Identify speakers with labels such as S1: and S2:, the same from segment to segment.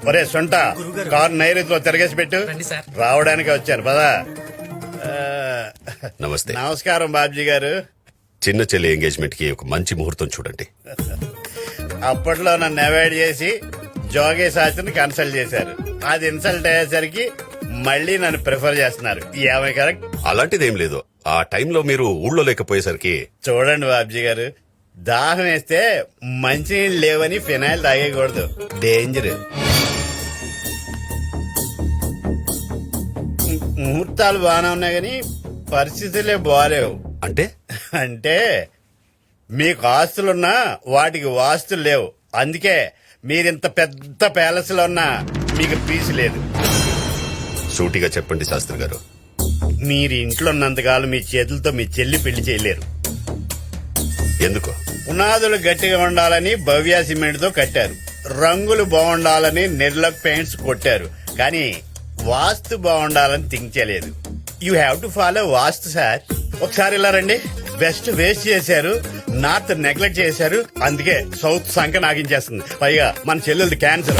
S1: ఒరే సొంట కారు నైరుతిలో తిరగేసి పెట్టు. రావడానికి వచ్చాను పదా.
S2: నమస్తే.
S1: నమస్కారం బాబ్జీ గారు.
S2: చిన్న చెల్లి ఎంగేజ్మెంట్ కి ఒక మంచి ముహూర్తం చూడండి.
S1: అప్పట్లో నన్ను అవాయిడ్ చేసి జోగే శాస్త్రిని కన్సల్ట్ చేశారు. అది ఇన్సల్ట్ అయ్యేసరికి మళ్ళీ నన్ను ప్రిఫర్ చేస్తున్నారు. ఏమై కరెక్ట్?
S2: అలాంటిదేం లేదు. ఆ టైంలో మీరు ఊళ్ళో లేకపోయేసరికి.
S1: చూడండి బాబ్జీ గారు, దాహం వేస్తే మంచినీళ్ళు లేవని ఫినాయిల్ తాగేయకూడదు, డేంజర్. ముహూర్తాలు బాగానే ఉన్నాయి కానీ పరిస్థితులే బాగాలేవు.
S2: అంటే
S1: అంటే మీకు ఆస్తులున్నా వాటికి వాస్తులు లేవు. అందుకే మీరింత పెద్ద ప్యాలెస్ లో ఉన్నా మీకు పీసు లేదు.
S2: సూటిగా చెప్పండి శాస్త్రి గారు.
S1: మీరు ఇంట్లో ఉన్నంతకాలం మీ చేతులతో మీ చెల్లి పెళ్లి చేయలేరు.
S2: ఎందుకు?
S1: పునాదులు గట్టిగా ఉండాలని భవ్య సిమెంట్ తో కట్టారు, రంగులు బాగుండాలని నిర్లక్ పెయింట్స్ కొట్టారు, కానీ వాస్తు బాగుండాలని థింక్ చేయలేదు. You have to follow vastu sir. ఒకసారి ఇలా రండి. వెస్ట్ వేస్ట్ చేశారు, నార్త్ నెగ్లెక్ట్ చేశారు, అందుకే సౌత్ సంఖ్య నాగించేస్తుంది. పైగా మన చెల్లెలది క్యాన్సర్.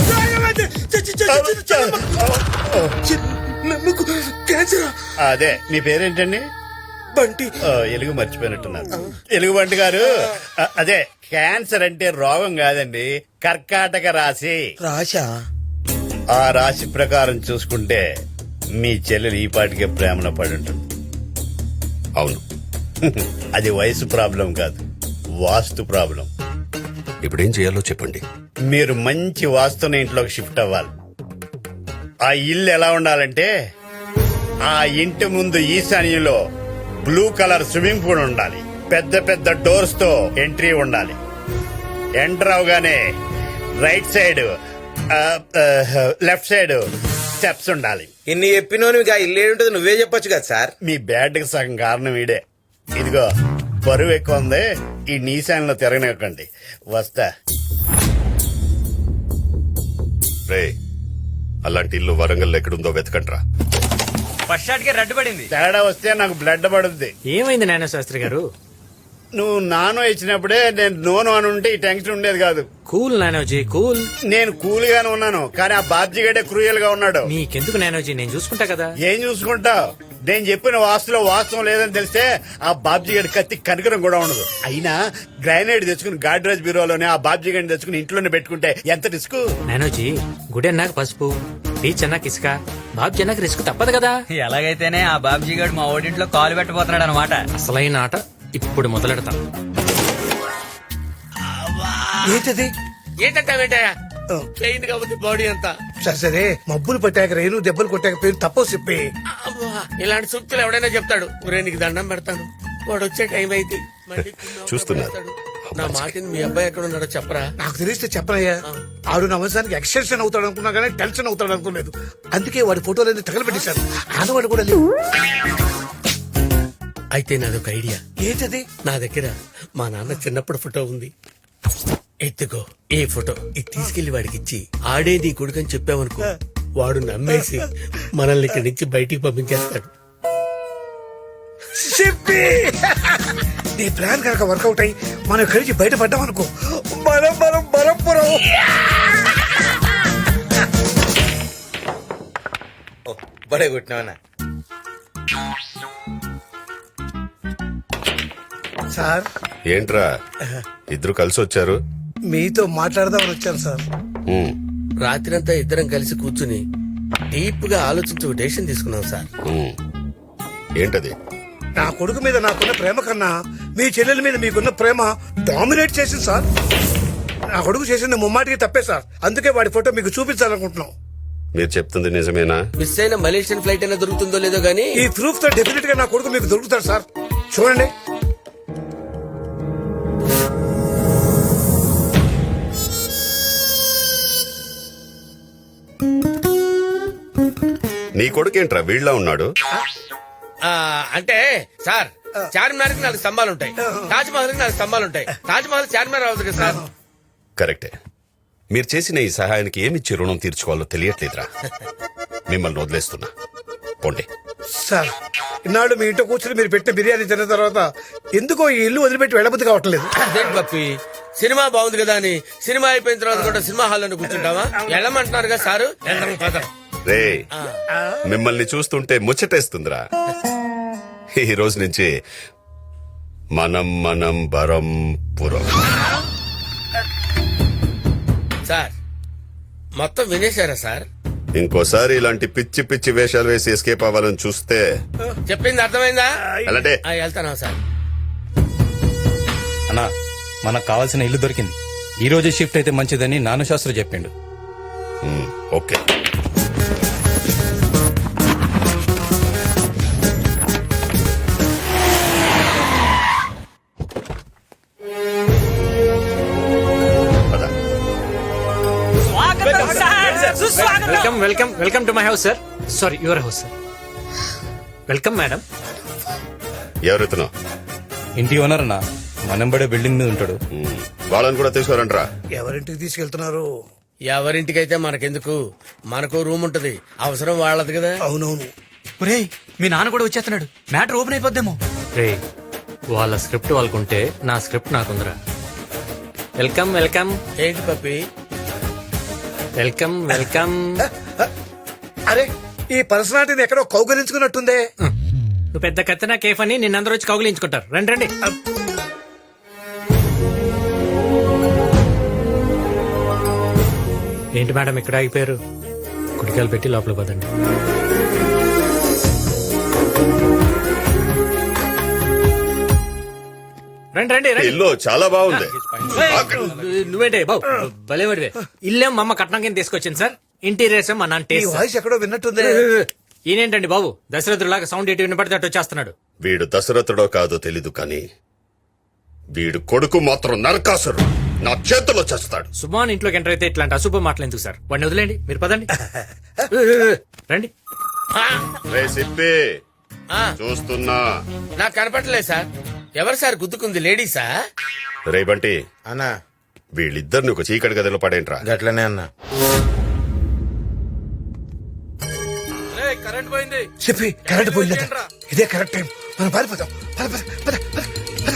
S1: అదే మీ పేరేంటండి?
S3: బంటి.
S1: ఎలుగు మర్చిపోయినట్టున్నారు. ఎలుగు బంటి గారు, అదే క్యాన్సర్ అంటే రోగం కాదండి, కర్కాటక రాశి.
S3: రాశా?
S1: ఆ రాశి ప్రకారం చూసుకుంటే మీ చెల్లెలు ఈ పాటికే ప్రేమలో పడి ఉంటుంది.
S2: అవును.
S1: అది వయసు ప్రాబ్లం కాదు, వాస్తు ప్రాబ్లం.
S2: ఇప్పుడేం చేయాలో చెప్పండి.
S1: మీరు మంచి వాస్తున్న ఇంట్లోకి షిఫ్ట్ అవ్వాలి. ఆ ఇల్లు ఎలా ఉండాలంటే, ఆ ఇంటి ముందు ఈశాన్యంలో బ్లూ కలర్ స్విమ్మింగ్ పూల్ ఉండాలి, పెద్ద పెద్ద డోర్స్ తో ఎంట్రీ ఉండాలి. ఎంటర్ అవగానే right side left side steps ఉండాలి.
S3: ఇన్ని చెప్పినోని ఇల్లు ఏంటది నువ్వే చెప్పొచ్చు కదా సార్.
S1: మీ బ్యాడ్ కి సగం కారణం ఈడే. ఇదిగో బరువు ఎక్కువ ఉంది, ఈ నీశాన్లో తిరగనివ్వకండి. వస్తా.
S2: రే, అలాంటి ఇల్లు వరంగల్ ఎక్కడుందో వెతకండ్రా.
S4: ఫస్ట్ షాట్ కి రెడ్ పడింది.
S1: తేడా వస్తే నాకు బ్లడ్ పడుద్ది.
S4: ఏమైంది నాన్న శాస్త్రి గారు?
S1: నువ్వు నానో ఇచ్చినప్పుడే నేను నోను అని ఉంటే ఈ టెన్షన్ ఉండేది కాదు.
S4: కూల్ నానోజీ, కూల్.
S1: నేను కూల్ గానే ఉన్నాను, కానీ ఆ బాబ్జీ గడే క్రూయల్ గా ఉన్నాడు.
S4: నీకెందుకు నానోజీ, నేను చూసుకుంటా కదా.
S1: ఏం చూసుకుంటావు? నేను చెప్పిన వాస్తులో వాస్తవం లేదని తెలిస్తే ఆ బాబ్జీ గడి కత్తి కనికరం కూడా ఉండదు. అయినా గ్రానైట్ తెచ్చుకుని గాడ్రేజ్ బ్యూరోలోనే ఆ బాబ్జీ గడిని తెచ్చుకుని ఇంట్లోనే పెట్టుకుంటే ఎంత రిస్క్.
S4: నానోజీ, గుడి అన్నాక పసుపు, బీచ్ అన్నాక ఇసుక, బాబ్జీ అన్నాక రిస్క్ తప్పదు కదా.
S5: ఎలాగైతేనే ఆ బాబ్జీ గారు మా ఓడింట్లో కాలు పెట్టబోతున్నాడు అనమాట.
S4: అసలైన ఆట ఇప్పుడు మొదలెడతాం.
S3: ఏంటది?
S6: ఏంటంటావేంటయ్యా? పెయింట్ కాబట్టి బాడీ అంతా.
S3: సరే సరే, మబ్బులు పట్టాక రేణు దెబ్బలు కొట్టాక పేరు తప్పవు చెప్పి.
S6: ఇలాంటి సూక్తులు ఎవడైనా చెప్తాడు. ఒరే నీకు దండం పెడతాను, వాడు వచ్చే టైం అయితే మళ్ళీ
S2: చూస్తున్నారు.
S6: నా మాటిని మీ అబ్బాయి ఎక్కడ ఉన్నాడో చెప్పరా.
S3: నాకు తెలిస్తే చెప్పనయ్యా. ఆడు నా వంశానికి ఎక్స్టెన్షన్ అవుతాడు అనుకున్నా కానీ టెన్షన్ అవుతాడు అనుకోలేదు. అందుకే వాడి ఫోటోలన్నీ తగలబెట్టేశాను. ఆడవాడు కూడా లేవు.
S6: అయితే నాదొక ఐడియా.
S3: ఏంటది?
S6: నా దగ్గర మా నాన్న చిన్నప్పుడు ఫోటో ఉంది. ఎత్తుకో ఈ ఫోటో, ఇది తీసుకెళ్లి వాడికి ఇచ్చి ఆడే నీ కొడుకని చెప్పావనుకో, వాడు నమ్మేసి మనల్ని ఇక్కడి నుంచి బయటికి పంపించేస్తాడు.
S3: చెప్పి నీ ప్లాన్ కనుక వర్కౌట్ అయ్యి మనం ఇక్కడి నుంచి బయటపడ్డాం అనుకో, మనం మనం బలంపురం. బడే కొట్టినావనా సార్?
S2: ఏంట్రా ఇద్దరు కలిసి వచ్చారు?
S3: మీతో మాట్లాడదామని వచ్చాను సార్.
S6: రాత్రంతా ఇద్దరం కలిసి కూర్చుని డీప్ గా ఆలోచించి ఒక డెసిషన్ తీసుకున్నాం సార్.
S2: ఏంటది?
S3: నా కొడుకు మీద నాకున్న ప్రేమ కన్నా మీ చెల్లెల మీద మీకున్న ప్రేమ డామినేట్ చేసింది సార్. నా కొడుకు చేసింది ముమ్మాటికి తప్పే సార్. అందుకే వాడి ఫోటో మీకు చూపించాలనుకుంటున్నాం.
S2: మీరు చెప్తుంది నిజమేనా?
S6: మిస్ అయిన మలేషియన్ ఫ్లైట్ అయినా దొరుకుతుందో లేదో గానీ
S3: ఈ ప్రూఫ్ తో డెఫినెట్ గా నా కొడుకు మీకు దొరుకుతాడు సార్. చూడండి.
S2: నీ కొడుకేంట్రా వీళ్ళ ఉన్నాడు?
S6: అంటే సార్, చార్మినార్ కి 4 స్తంభాలు ఉంటాయి, తాజ్ మహల్ కి 4 స్తంభాలు ఉంటాయి. తాజ్ మహల్ చార్మినార్ అవుతుంది కదా సార్.
S2: కరెక్టే. మీరు చేసిన ఈ సహాయానికి ఏమిచ్చి రుణం తీర్చుకోవాలో తెలియట్లేదురా. మిమ్మల్ని వదిలేస్తున్నా, పోండి.
S3: సార్ ఇన్నాళ్ళు మీ ఇంట్లో కూర్చొని మీరు పెట్టిన బిర్యానీ తిన్న తర్వాత ఎందుకో ఈ ఇల్లు వదిలిపెట్టి వెళ్ళబుద్ధి కావట్లేదు.
S6: అదేంటి పప్పి, సినిమా బాగుంది కదా అని సినిమా అయిపోయిన తర్వాత కూడా సినిమా హాల్లో కూర్చుంటావా? వెళ్ళమంటున్నారు కదా సారు. వెళ్దాం, పద.
S2: రే మిమ్మల్ని చూస్తుంటే ముచ్చటేస్తుందిరా. ఈ రోజు నుంచి మనం బరం పురం.
S6: సార్ మొత్తం వినేశారా సార్?
S2: ఇంకోసారి ఇలాంటి పిచ్చి పిచ్చి వేషాలు వేసి ఎస్కేప్ అవ్వాలని చూస్తే
S6: చెప్పింది అర్థమైందా?
S2: అలాంటే
S6: వెళ్తానా సార్?
S7: అన్నా మనకు కావాల్సిన ఇల్లు దొరికింది. ఈ రోజు షిఫ్ట్ అయితే మంచిదని నాను శాస్త్రి చెప్పిండు.
S2: ఓకే. పద.
S4: Welcome welcome welcome to my house sir. Sorry, your house sir. Welcome madam.
S2: ఎవరెత్తునో
S7: ఇంటి ఓనర్ అన్న మనంబడే బిల్డింగ్ మీద ఉంటాడు.
S2: వాళ్ళని కూడా తీసుకురంట్రా.
S3: ఎవరింటికి తీసుకెళ్తున్నారు?
S6: ఎవరింటికైతే మనకెందుకు, మనకు రూమ్ ఉంటది, అవసరం వాళ్ళది కదా.
S3: అవునవును.
S5: ఒరేయ్ మీ నాన్న కూడా వచ్చేస్తున్నాడు, మ్యాటర్ ఓపెన్ అయిపోద్దేమో.
S4: రే, వాళ్ళ స్క్రిప్ట్ వాళ్ళకుంటే నా స్క్రిప్ట్ నాకుందిరా. వెల్కమ్ వెల్కమ్
S6: ఏంటి పప్పి?
S4: Welcome welcome.
S3: అరే ఈ పర్సనాలిటీని ఎక్కడో కౌగలించుకున్నట్టుందే.
S4: నువ్వు పెద్ద కత్తినా కేఫ్ అని నిన్నందరూ వచ్చి కౌగిలించుకుంటారు. రండి రండి. ఏంటి మేడం ఇక్కడ ఆగిపోయారు? కుడికాయలు పెట్టి లోపల పదండి. రండి రండి రండి.
S2: ఇల్లు చాలా బాగుంది.
S4: నువ్వేంటే బాబు భలేవాడివే. ఇల్లేం మా అమ్మ కట్నం కింద తీసుకొచ్చింది సార్. ఇంటీరియర్స్ మా నాన్న
S3: ఈ
S4: టేస్ట్.
S3: వాయిస్ ఎక్కడో విన్నట్టుందే.
S4: ఈయనేంటండి బాబు దశరథులాగా సౌండ్ ఎటు వినపడితే అటు వచ్చేస్తున్నాడు.
S2: వీడు దశరథుడో కాదో తెలీదు కానీ వీడు కొడుకు మాత్రం నరకాసురు. నా చేతిలో చేస్తాడు.
S4: సుమాన్ ఇంట్లోకి ఎంటర్ అయితే ఇట్లాంటి అశుభ మాటలు ఎందుకు సార్? వాడిని వదిలేండి, మీరు పదండి. రండి.
S2: రే సిప్పి,
S6: ఆ,
S2: చూస్తున్నా.
S6: నాకు కనపడలేదు సార్. ఎవరు సార్ గుద్దుకుంది? లేడీసా?
S2: రే బంటి,
S8: అన్నా
S2: వీళ్ళిద్దరిని ఒక చీకటి గదిలో పడేంట్రా.
S8: గట్లనే అన్నా.
S7: కరెంట్ పోయింది.
S3: చెప్పి కరెంట్ పోయిందట. ఇదే కరెక్ట్ టైం, మనం పారిపోతాం. పద, పద, పద, పద, పద.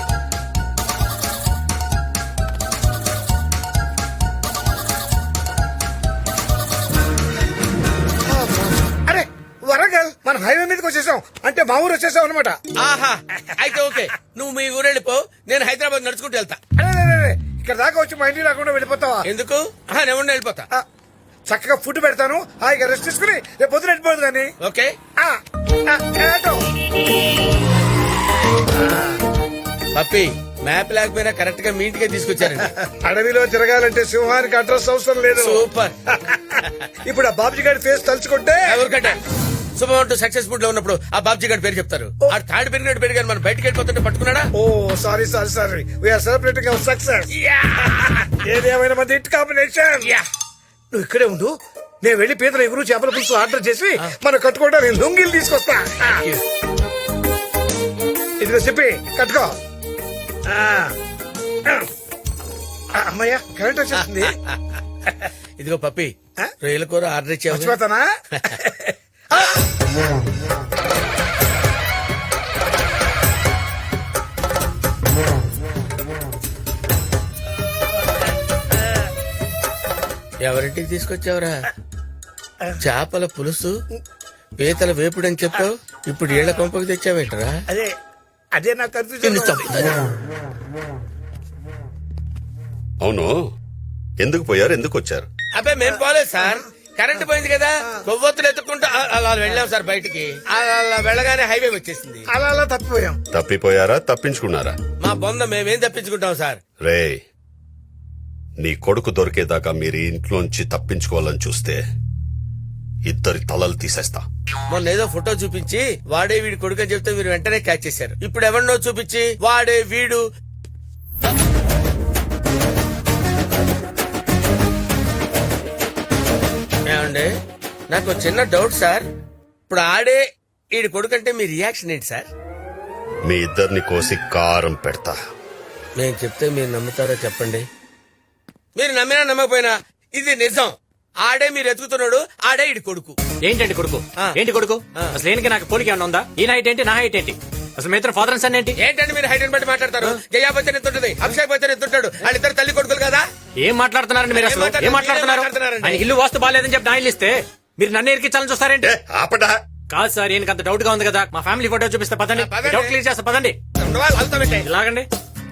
S3: అరే వరంగల్, మనం హైవే మీదకి వచ్చేసాం. అంటే మా ఊరు వచ్చేసాం అనమాట.
S6: ఆహా, అయితే ఓకే. నువ్వు మీ ఊరు వెళ్ళిపో, నేను హైదరాబాద్ నడుచుకుంటూ వెళ్తా.
S3: అరే ఇక్కడ దాకా వచ్చి మా ఇంటికి రాకుండా వెళ్ళిపోతావా?
S6: ఎందుకు? నేను వెళ్ళిపోతా.
S3: ఆ, చక్కగా ఫుడ్ పెడతాను, హాయిగా రెస్ట్ తీసుకుని రేపు పొద్దున వెళ్ళిపోదు కానీ.
S6: ఓకే. పప్పి, మ్యాప్ లేకపోయినా కరెక్ట్ గా మీ ఇంటికే తీసుకొచ్చారండి.
S3: అడవిలో తిరగాలంటే సింహానికి అడ్రస్ అవసరం లేదు.
S6: సూపర్.
S3: ఇప్పుడు ఆ బాబుజీ గారి ఫేస్ తలుచుకుంటే
S6: ఎవరికంటే శుభం అంటూ సక్సెస్ఫుల్ లో ఉన్నప్పుడు ఆ బాబ్జీ గారి పేరు చెప్తారు. ఆ తాడు పెరిగినట్టు పెరిగారు, మనం బయటకు వెళ్ళిపోతుంటే పట్టుకున్నాడా?
S3: Oh sorry sorry sorry, we're celebrating our success. ఏదేమైనా మంది హిట్ కాంబినేషన్. నువ్వు ఇక్కడే ఉండు, నేను వెళ్లి పీతల ఎగురు చేపల పులుసు ఆర్డర్ చేసి మనం కట్టుకోవడానికి లొంగిలు తీసుకొస్తా. ఇదిగో చెప్పి కట్టుకో. అమ్మయ్యా కరెంట్ వచ్చేస్తుంది.
S6: ఇదిగో పప్పి, రొయ్యల కూర ఆర్డర్ ఇచ్చావు.
S3: మర్చిపోతానా?
S6: ఎవరింటికి తీసుకొచ్చావురా? చేపల పులుసు, పీతల వేపుడు అని చెప్పావు, ఇప్పుడు ఏళ్ల కొంపకి తెచ్చావేంటరా?
S3: అదే అదే నాకు కన్ఫ్యూజన్.
S2: అవును, ఎందుకు పోయారు, ఎందుకు వచ్చారు?
S6: అబ్బాయి మేం పోలేదు సార్, కరెంట్ పోయింది కదా, కొవ్వొత్తులు ఎత్తుకుంటూ అలా వెళ్ళాం సార్ బయటికి. అలా వెళ్ళగానే హైవే వచ్చేసింది.
S3: అలా అలా తప్పిపోయాం.
S2: తప్పిపోయారా, తప్పించుకున్నారా?
S6: మా బొంద మేమేం తప్పించుకుంటాం సార్.
S2: రే, నీ కొడుకు దొరికేదాకా మీరు ఇంట్లోంచి తప్పించుకోవాలని చూస్తే ఇద్దరి తలలు తీసేస్తా.
S6: మొన్న ఏదో ఫోటో చూపించి వాడే వీడి కొడుకు అని చెప్తే మీరు వెంటనే క్యాచ్ చేశారు. ఇప్పుడు ఎవరినో చూపించి వాడే వీడు. ఏమండి, నాకు చిన్న డౌట్ సార్. ఇప్పుడు ఆడే వీడి కొడుకు అంటే మీ రియాక్షన్ ఏంటి సార్?
S2: మీ ఇద్దరిని కోసి కారం పెడతా.
S6: నేను చెప్తే మీరు నమ్ముతారో చెప్పండి. మీరు నమ్మినా నమ్మకపోయినా ఇది నిజం. ఆడే మీరు ఎత్తుకుతున్నాడు, ఆడే ఇడి కొడుకు.
S4: ఏంటండి కొడుకు ఏంటి కొడుకు అసలు ఏనికి నాకు పోలిక ఏమన్నా ఉందా? ఈ హైట్ ఏంటి నా హైట్ ఏంటి? అసలు మీ ఇద్దరు ఫాదర్ అండ్ సన్ ఏంటి?
S6: ఏంటంటే మీరు హైట్ బట్టి మాట్లాడతారు? జయా బచ్చన్ ఎంత ఉంటుంది, అభిషేక్ బచ్చన్ ఎంత ఉంటాడు? వాళ్ళిద్దరు తల్లి కొడుకులు కదా.
S4: ఏం మాట్లాడుతున్నారండి మీరు? అసలు ఏం మాట్లాడుతున్నారు? ఆయన ఇల్లు వాస్తు బాగాలేదని చెప్పి నా ఇల్లు ఇస్తే మీరు నన్ను ఎరికించాలని చూస్తారేంటి?
S2: ఆపడా.
S4: కాదు సార్, ఈయనకి అంత డౌట్ గా ఉంది కదా. మా ఫ్యామిలీ ఫోటో చూపిస్తే పదండి,
S6: పదండి.
S4: డౌట్ క్లియర్ చేస్తా పదండి.
S6: వాళ్ళతో పెట్టే.
S4: ఇలాగండి.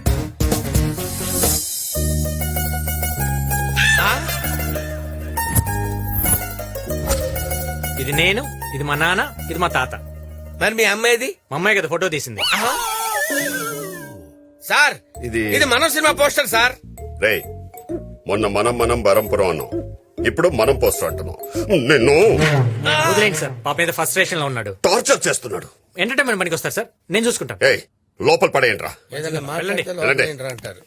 S4: ఇది నేను, ఇది మా నాన్న, ఇది మా తాత.
S6: మరి మీ అమ్మాయిది?
S4: మా అమ్మాయి కదా ఫోటో తీసింది.
S6: సార్ ఇది మనం సినిమా పోస్టర్ సార్.
S2: రే, మొన్న మనం బరంపురం అన్నాం, ఇప్పుడు మనం పోస్టర్ అంటున్నాం. నిన్ను
S4: వదిలేండి సార్, పాప మీద ఫస్ట్ స్టేషన్ లో ఉన్నాడు.
S2: టార్చర్ చేస్తున్నాడు.
S4: ఎంటర్టైన్మెంట్ పనికి వస్తారు సార్, నేను చూసుకుంటాను.
S2: ఏయ్, లోపల పడేయండి రా.
S6: ఏదైనా
S4: వెళ్ళండి.
S6: మాట్లాడితే లోపల అంటారు.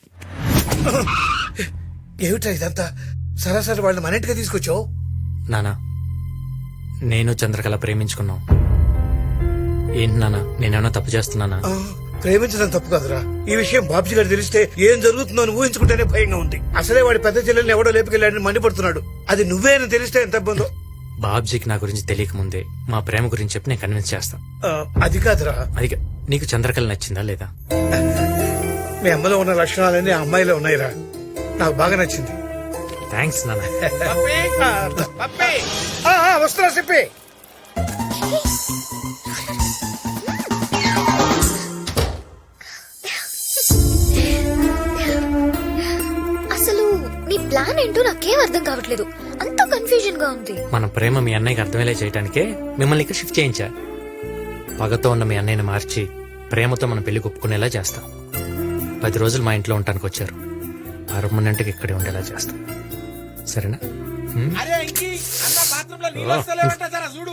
S3: ఏమిట్రా ఇదంతా? సరాసరి వాళ్ళని మన ఇంటికి తీసుకొచ్చావు.
S4: నానా, నేను చంద్రకళ ప్రేమించుకున్నాం. ఏంటి నానా, నేనేమన్నా తప్పు చేస్తున్నానా?
S3: ప్రేమించడం తప్పు కాదురా. ఈ విషయం బాబ్జీ గారు తెలిస్తే ఏం జరుగుతుందో అని ఊహించుకుంటేనే భయంగా ఉంది. అసలే వాడి పెద్ద చెల్లెల్ని ఎవడో లేపుకెళ్ళాడని మండిపడుతున్నాడు. అది నువ్వే అని తెలిస్తే ఎంత ఇబ్బందో.
S4: బాబ్జీకి నా గురించి తెలియక ముందే మా ప్రేమ గురించి చెప్పి నేను కన్విన్స్ చేస్తా.
S3: అది కాదురా,
S4: అది నీకు చంద్రకళ నచ్చిందా లేదా?
S3: మీ అమ్మలో ఉన్న లక్షణాలన్నీ ఆ అమ్మాయిలో ఉన్నాయిరా. నాకు బాగా నచ్చింది.
S4: థ్యాంక్స్ నాన్న.
S3: వస్తున్నా చెప్పి.
S8: అసలు నీ ప్లాన్ ఏంటో నాకేం అర్థం కావట్లేదు. అంత కన్ఫ్యూజన్ గా ఉంది.
S4: మన ప్రేమ మీ అన్నయ్యకి అర్థమయ్యేలా చేయడానికే మిమ్మల్ని ఇక్కడ షిఫ్ట్ చేయించా. పగతో ఉన్న మీ అన్నయ్యని మార్చి ప్రేమతో మన పెళ్లి ఒప్పుకునేలా చేస్తాం. 10 రోజులు మా ఇంట్లో ఉండటానికి వచ్చారు. పర్మనెంట్గా ఇక్కడే ఉండేలా చేస్తాం. సరేనా?
S6: అరే ఇంకి అన్న బాత్రూంలో నీళ్ళు వస్తలేవంట, జరా చూడు.